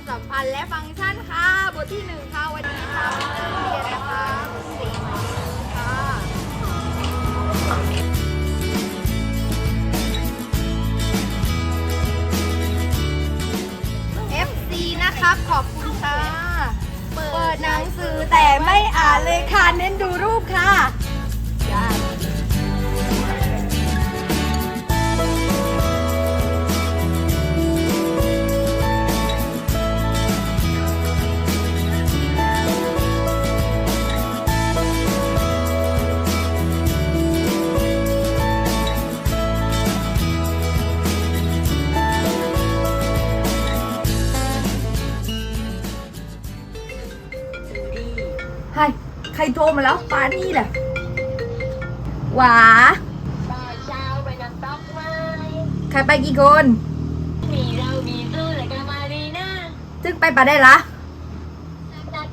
สัมพันธ์และฟังก์ชันค่ะบทที่1ค่ะวันนี้ค่ะเรียนนะคะสีค่ะ FC นะครับขอบคุณค่ะเปิดหนังสือแต่ไม่อ่านเลยค่ะเน้นดูรูปค่ะใครโทรมาแล้วปานี่แหละหวาตอนเช้าไปน้ำตกไหมใครไปกี่คนมีเรามีสู้เลยกันมาดีนะจึงไปปะได้ละนัด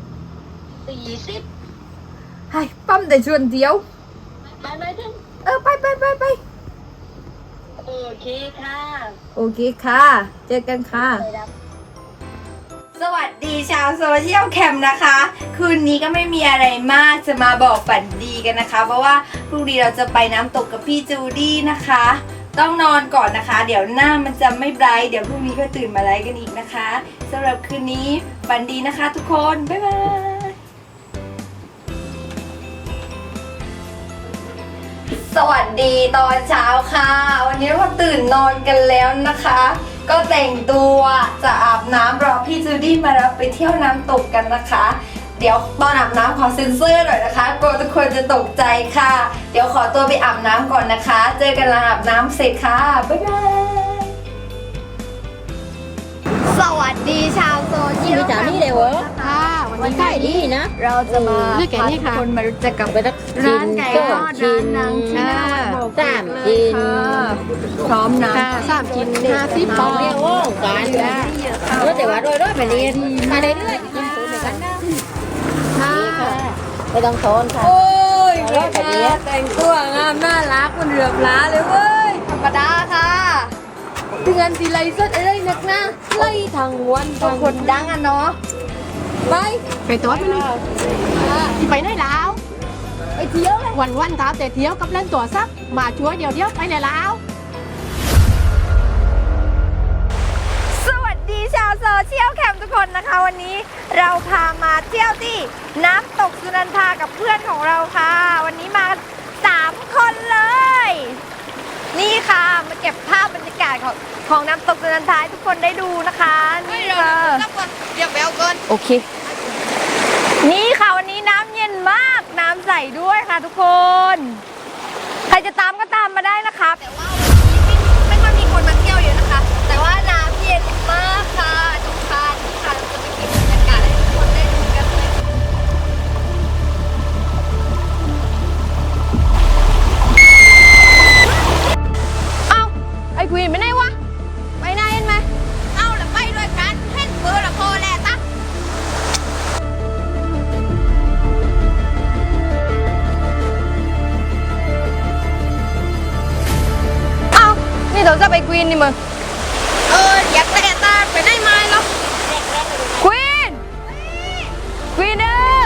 40 ให้ปั้มแต่ชวนเดียวไปไหมท่านไปโอเคค่ะโอเคค่ะเจอกันค่ะสวัสดีชาวโซเชียลแคมป์นะคะ คืนนี้ก็ไม่มีอะไรมากจะมาบอกฝันดีกันนะคะ เพราะว่าพรุ่งนี้เราจะไปน้ำตกกับพี่จูดี้นะคะ ต้องนอนก่อนนะคะ เดี๋ยวหน้ามันจะไม่ไบรท์เดี๋ยวพรุ่งนี้ก็ตื่นมาไลฟ์กันอีกนะคะสำหรับคืนนี้ฝันดีนะคะทุกคนบ๊ายบายสวัสดีตอนเช้าค่ะวันนี้เราตื่นนอนกันแล้วนะคะก็แต่งตัวจะอาบน้ำรอพี่จูดี้มารับไปเที่ยวน้ำตกกันนะคะ เดี๋ยวตอนอาบน้ำขอเซ็นเซอร์หน่อยนะคะกลัวทุกคนจะตกใจค่ะเดี๋ยวขอตัวไปอาบน้ำก่อนนะคะเจอกันหลังอาบน้ำเสร็จค่ะบ๊ายบายสวัสดีชาวโซเชียลจ๋านี่เลยเหรอค่ะวันนี้ใช่ดีนะเราจะมาเลือกแกะนี่ค่ะคนมารู้จักกับไปสักร้านไก่ทอดชิ้ร้านนางชิ้นสามชิ้นพร้อมนะ 3 ชิ้น50 บาทเรียกว่าการแล้วแต่ว่าโดยไปเรียนมาเรื่อยๆกินสูตรเหมือนกันนะค่ะไม่ต้องโซนค่ะโอ้ยเลิกแบบนี้แต่งตัวงามน่ารักมันเหลือบล้าเลยเว้ยธรรมดาค่ะเตือนทีไรสดอะไรนักนะไล่ทางวันทางคนดังอ่ะเนาะไปตัวไปเลยไปไหนแล้วไปเที่ยวเลยวันท้าแต่เที่ยวกับเล่นตัวซักมาชัวร์เดี๋ยวไปไหนแล้วสวัสดีชาวโซเชียลแคมป์ทุกคนนะคะวันนี้เราพามาเที่ยวที่น้ำตกสุนันทากับเพื่อนของเราค่ะวันนี้มา3 คนเลย นี่ค่ะมาเก็บภาพบรรยากาศของน้ำตกสุนันทาให้ทุกคนได้ดูนะคะนี่ค่ะเรียกแววเกินโอเค นี่ค่ะวันนี้น้ำเย็นมากน้ำใสด้วยค่ะทุกคน ใครจะตามก็ตามมาได้นะคะแต่ว่าวันนี้ไม่ค่อยมีคนมาเที่ยวเยอะนะคะ แต่ว่าน้ำเย็นมากค่ะทุกท่านค่ะเราจะไปเก็บบรรยากาศให้ทุกคนได้ดูกันเลยเอ้าไอ้ควีนไปไหนวะไปไหนเห็นไหมเอ้าแล้วไปด้วยกันเห็นเบอร์ละโคแหละตักนี่เราจะไปควีนนี่มึงอยากแต่ตาไปได้ไหมหรอควีนควีนเด้อ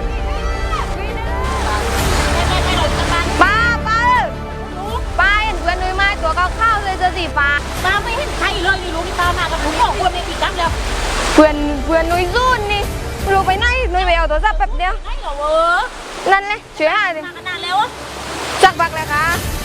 ป้าเห็นเพื่อนนุ้ยไม้ตัวข้าวเลยเสื้อสีฟ้ามาไม่เห็นใครเลยอยู่รู้ที่ตามากับผมบอกคนในปีกั๊บแล้วเพื่อนนุ้ยซุ่นนี่รู้ไปไหนนุ้ยไปเอาโทรศัพท์แป๊บเดียวใช่เหรอเวอนั่นเลยช่วยหาดิมาขนาดแล้วอะจักบักเลยค่ะ